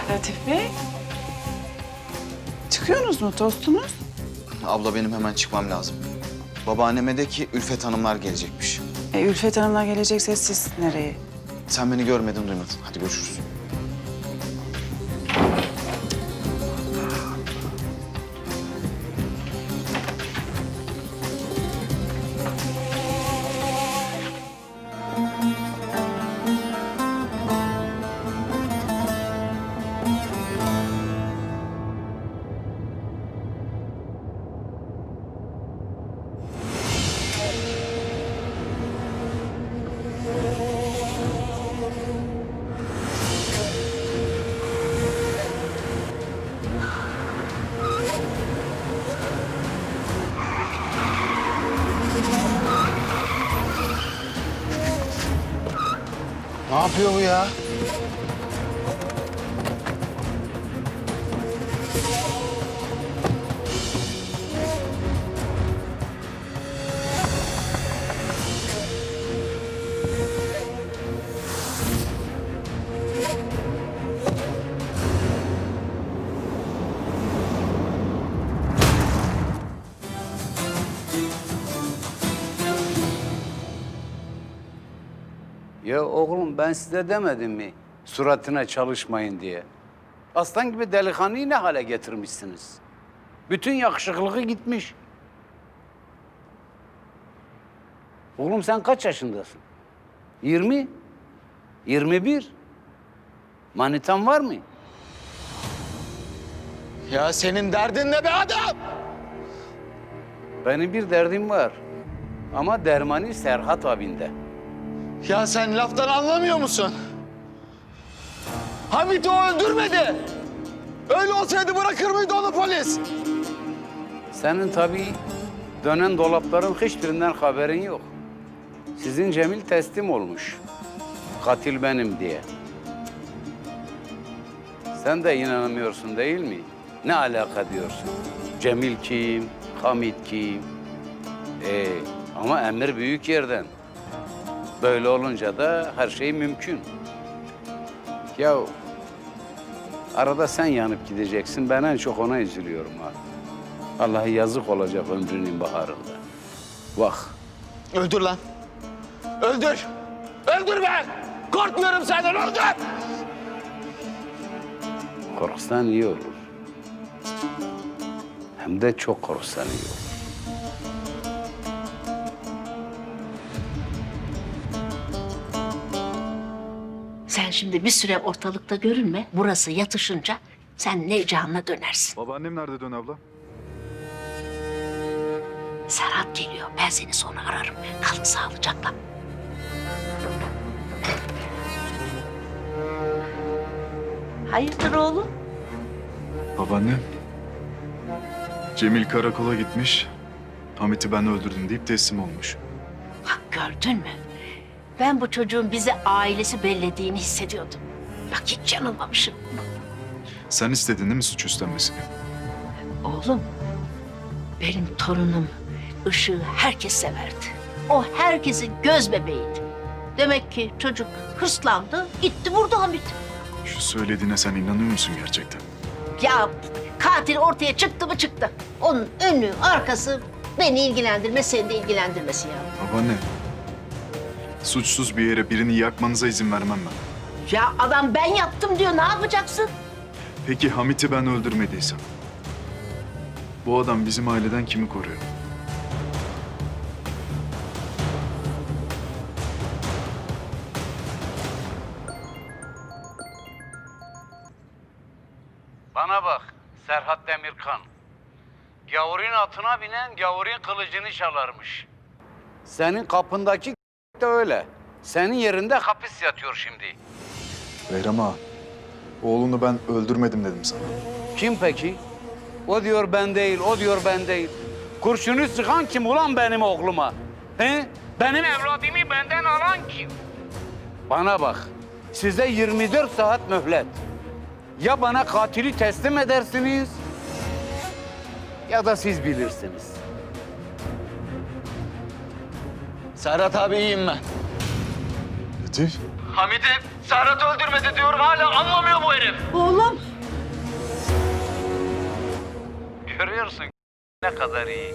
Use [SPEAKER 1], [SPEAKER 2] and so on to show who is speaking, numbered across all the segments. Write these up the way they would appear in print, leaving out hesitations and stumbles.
[SPEAKER 1] Latif Bey. Çıkıyorsunuz mu, tostunuz?
[SPEAKER 2] Abla benim hemen çıkmam lazım. Babaanneme de ki Ülfet Hanımlar gelecekmiş.
[SPEAKER 1] Ülfet Hanım'la gelecekse siz nereye?
[SPEAKER 2] Sen beni görmedin, duymadın. Hadi görüşürüz.
[SPEAKER 3] Ne yapıyor bu ya?
[SPEAKER 4] Ya oğlum ben size demedim mi suratına çalışmayın diye? Aslan gibi delikanlıyı ne hale getirmişsiniz? Bütün yakışıklığı gitmiş. Oğlum sen kaç yaşındasın? 20? 21? Manitan var mı?
[SPEAKER 3] Ya senin derdin ne be adam?
[SPEAKER 4] Benim bir derdim var. Ama dermanı Serhat abinde.
[SPEAKER 3] Ya sen laftan anlamıyor musun? Hamit'i o öldürmedi. Öyle olsaydı bırakır mıydı onu polis?
[SPEAKER 4] Senin tabii dönen dolapların hiçbirinden haberin yok. Sizin Cemil teslim olmuş. Katil benim diye. Sen de inanamıyorsun değil mi? Ne alaka diyorsun? Cemil kim? Hamit kim? Ama emir büyük yerden. Böyle olunca da her şey mümkün. Ya arada sen yanıp gideceksin. Ben en çok ona üzülüyorum ha. Allah'a yazık olacak ömrünün baharında. Bak.
[SPEAKER 3] Öldür lan. Öldür. Öldür be. Korkmuyorum senden, öldür.
[SPEAKER 4] Korksan iyi olur. Hem de çok korksan iyi olur.
[SPEAKER 5] Sen şimdi bir süre ortalıkta görünme. Burası yatışınca sen Nevcan'la dönersin.
[SPEAKER 6] Babaannem nerede Dön abla?
[SPEAKER 5] Serhat geliyor. Ben seni sonra ararım. Kalın sağlıcakla. Hayırdır oğlum?
[SPEAKER 6] Babaannem. Cemil karakola gitmiş. Hamit'i ben öldürdüm deyip teslim olmuş.
[SPEAKER 5] Bak gördün mü? Ben bu çocuğun bize ailesi bellediğini hissediyordum. Bak hiç yanılmamışım.
[SPEAKER 6] Sen istedin değil mi suç üstlenmesini?
[SPEAKER 5] Oğlum, benim torunum Işık'ı herkes severdi. O herkesin göz bebeğiydi. Demek ki çocuk hırslandı, gitti vurdu Hamit.
[SPEAKER 6] Şu söylediğine sen inanıyor musun gerçekten?
[SPEAKER 5] Ya katil ortaya çıktı mı çıktı. Onun önü, arkası beni ilgilendirmez, seni de ilgilendirmesin ya.
[SPEAKER 6] Babaanne. Suçsuz bir yere birini yakmanıza izin vermem ben.
[SPEAKER 5] Ya adam ben yaptım diyor, ne yapacaksın?
[SPEAKER 6] Peki Hamit'i ben öldürmediysem? Bu adam bizim aileden kimi koruyor?
[SPEAKER 4] Bana bak Serhat Demirkan. Gavurun atına binen gavurun kılıcını çalarmış. Senin kapındaki de öyle. Senin yerinde hapis yatıyor şimdi.
[SPEAKER 6] Behram ağa, oğlunu ben öldürmedim dedim sana.
[SPEAKER 4] Kim peki? O diyor ben değil, o diyor ben değil. Kurşunu sıkan kim ulan benim oğluma? He? Benim evladımı benden alan kim? Bana bak, size 24 saat mühlet. Ya bana katili teslim edersiniz ya da siz bilirsiniz.
[SPEAKER 3] Serhat abi iyiyim ben.
[SPEAKER 6] Latif,
[SPEAKER 3] Hamit'i Serhat öldürmedi diyorum, hala anlamıyor bu herif.
[SPEAKER 5] Oğlum.
[SPEAKER 4] Görüyorsun ne kadar iyi.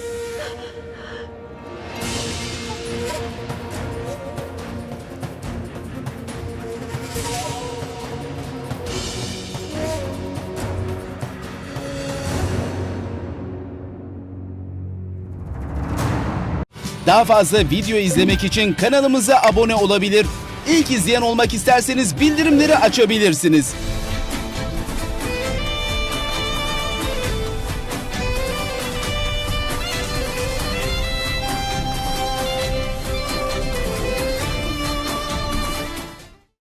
[SPEAKER 7] Daha fazla video izlemek için kanalımıza abone olabilir. İlk izleyen olmak isterseniz bildirimleri açabilirsiniz.